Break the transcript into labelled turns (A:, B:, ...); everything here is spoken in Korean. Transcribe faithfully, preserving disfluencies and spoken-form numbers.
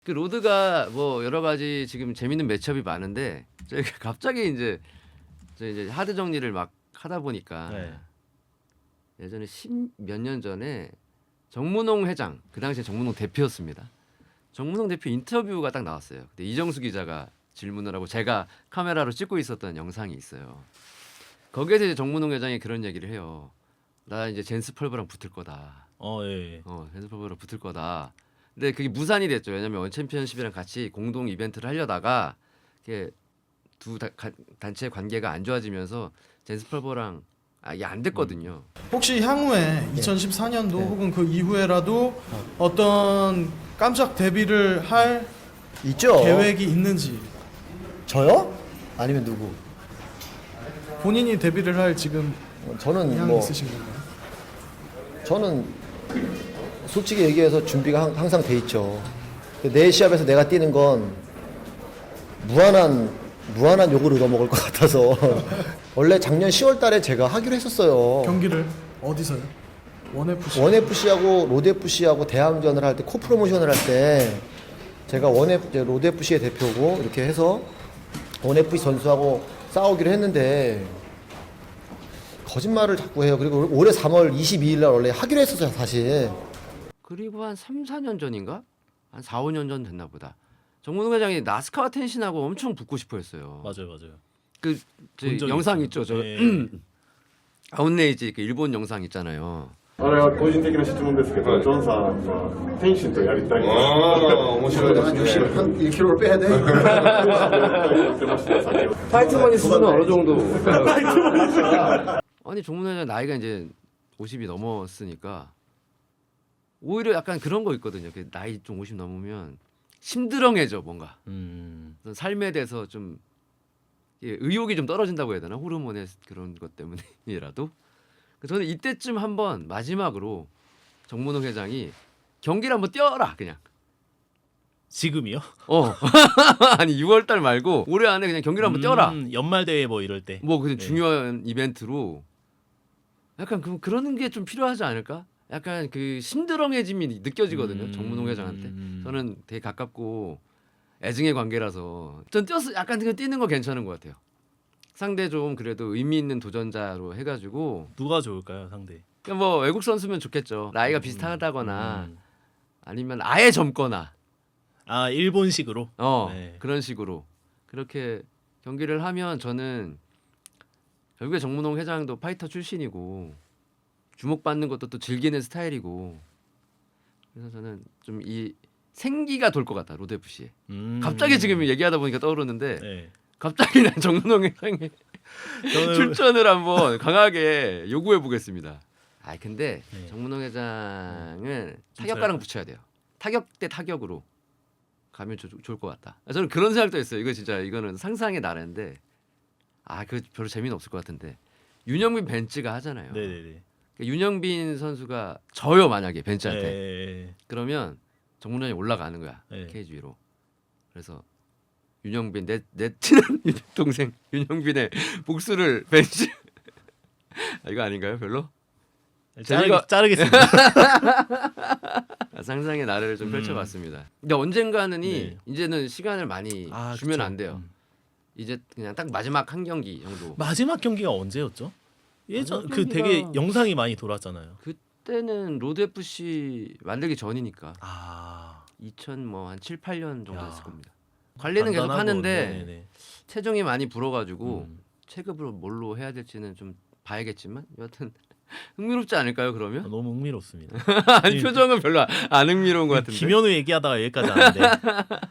A: 그 로드가 뭐 여러 가지 지금 재밌는 매치업이 많은데 저희가 갑자기 이제 저 이제 하드 정리를 막 하다 보니까
B: 네.
A: 예전에 십몇 년 전에 정문홍 회장 그 당시에 정문홍 대표였습니다. 정문홍 대표 인터뷰가 딱 나왔어요. 그때 이정수 기자가 질문을 하고 제가 카메라로 찍고 있었던 영상이 있어요. 거기에서 이제 정문홍 회장이 그런 얘기를 해요. 나 이제 젠스 펄버랑 붙을 거다.
B: 어, 예.
A: 어, 젠스 펄버랑 붙을 거다. 근데 그게 무산이 됐죠. 왜냐면 원챔피언십이랑 같이 공동 이벤트를 하려다가 이게 두 다, 가, 단체의 관계가 안 좋아지면서 젠스 펄버랑 아, 이게 안 됐거든요.
C: 혹시 향후에 이천십사 년도
D: 네.
C: 혹은 그 이후에라도 어떤 깜짝 데뷔를 할
D: 있죠.
C: 계획이 있는지,
D: 저요? 아니면 누구?
C: 본인이 데뷔를 할 지금
D: 어, 저는
C: 의향이
D: 뭐
C: 있으신 건가요?
D: 저는 솔직히 얘기해서 준비가 항- 항상 돼 있죠. 내 시합에서 내가 뛰는 건 무한한 무한한 욕을 얻어먹을 것 같아서 원래 작년 시월 달에 제가 하기로 했었어요.
C: 경기를 어디서요? 원에프씨.
D: 원에프씨하고 로드에프씨하고 대항전을 할 때 코프로모션을 할 때 제가 원에프 이제 로드에프씨의 대표고 이렇게 해서 원에프씨 선수하고 싸우기로 했는데 거짓말을 자꾸 해요. 그리고 올해 삼월 이십이일 날 원래 하기로 했었어요, 사실.
A: 그리고 한 삼, 사 년 전인가? 한 사, 오 년 전 됐나 보다. 정문홍 회장이 나스카와 텐신하고 엄청 붙고 싶어 했어요.
B: 맞아요, 맞아요.
A: 그 저
B: 본 적이
A: 영상
B: 있어요.
A: 있죠. 저
B: 예.
A: 아웃레이지 그 일본 영상 있잖아요.
E: あれは個人的な質問ですけど、ジョンさんは天心とやりたい。
F: 아, 面白いですね。
D: 육십, 한 일 킬로그램을 빼야 돼.
E: 言ってました先ほど。
A: 파이트머니 수준은 어느 정도? 아니 정문 회장 나이가 이제 오십이 넘었으니까 오히려 약간 그런 거 있거든요. 그 나이 좀 오십 넘으면 심드렁해져 뭔가.
B: 음.
A: 어떤 삶에 대해서 좀 예, 의욕이 좀 떨어진다고 해야 되나 호르몬의 그런 것 때문이라도 저는 이때쯤 한번 마지막으로 정문홍 회장이 경기를 한번 뛰어라 그냥
B: 지금이요?
A: 어 아니 유월 달 말고 올해 안에 그냥 경기를 한번 뛰어라
B: 음, 연말 대회 뭐 이럴 때.
A: 뭐 그냥
B: 네.
A: 중요한 이벤트로 약간 그, 그런 게 좀 필요하지 않을까 약간 그 심드렁해짐이 느껴지거든요.
B: 음.
A: 정문홍 회장한테
B: 음.
A: 저는 되게 가깝고 애증의 관계라서 전 뛰었어 약간 그 뛰는 거 괜찮은 것 같아요. 상대 좀 그래도 의미 있는 도전자로 해가지고
B: 누가 좋을까요, 상대?
A: 그냥 뭐 외국 선수면 좋겠죠. 나이가 비슷하다거나
B: 음.
A: 아니면 아예 젊거나
B: 아, 일본식으로.
A: 어
B: 네.
A: 그런 식으로 그렇게 경기를 하면 저는 결국에 정문홍 회장도 파이터 출신이고 주목받는 것도 또 즐기는 스타일이고 그래서 저는 좀 이 생기가 돌 것 같다 로드에프씨에.
B: 음.
A: 갑자기 지금 얘기하다 보니까 떠오르는데
B: 네.
A: 갑자기 난 정문홍 회장이
B: 저는
A: 출전을 한번 강하게 요구해 보겠습니다. 아 근데
B: 네.
A: 정문홍 회장은
B: 좀
A: 타격가랑
B: 잘-
A: 붙여야 돼요. 타격 대 타격으로 가면 조, 좋을 것 같다. 아, 저는 그런 생각도 했어요. 이거 진짜 이거는 상상의 나래인데 아 그 별로 재미는 없을 것 같은데 윤영빈 벤츠가 하잖아요.
B: 네, 네, 네.
A: 그러니까 윤영빈 선수가 져요 만약에 벤츠한테
B: 네.
A: 그러면 정문홍이 올라가는 거야
B: 네.
A: 케이지 위로. 그래서 윤영빈 내, 내 친한 동생 윤영빈의 복수를 벤츠 아, 이거 아닌가요 별로?
B: 자르,
A: 재미가-
B: 자르겠습니다.
A: 아, 상상의 나래를 좀
B: 음.
A: 펼쳐봤습니다. 근데 언젠가는이
B: 네.
A: 이제는 시간을 많이
B: 아,
A: 주면
B: 그쵸.
A: 안 돼요.
B: 음.
A: 이제 그냥 딱 마지막 한 경기 정도.
B: 마지막 경기가 언제였죠? 예전
A: 마지막
B: 그 되게
A: 경기가-
B: 영상이 많이 돌았잖아요.
A: 그때는 로드 에프씨 만들기 전이니까
B: 아.
A: 이천 뭐 한 칠, 팔 년 정도
B: 야.
A: 됐을 겁니다. 관리는 계속
B: 간단하고,
A: 하는데
B: 네네네.
A: 체중이 많이 불어가지고
B: 음.
A: 체급으로 뭘로 해야 될지는 좀 봐야겠지만 여하튼 흥미롭지 않을까요 그러면?
B: 아, 너무 흥미롭습니다.
A: 아니 표정은 별로 안 흥미로운 것 같은데.
B: 김현우 얘기하다가 여기까지 왔는데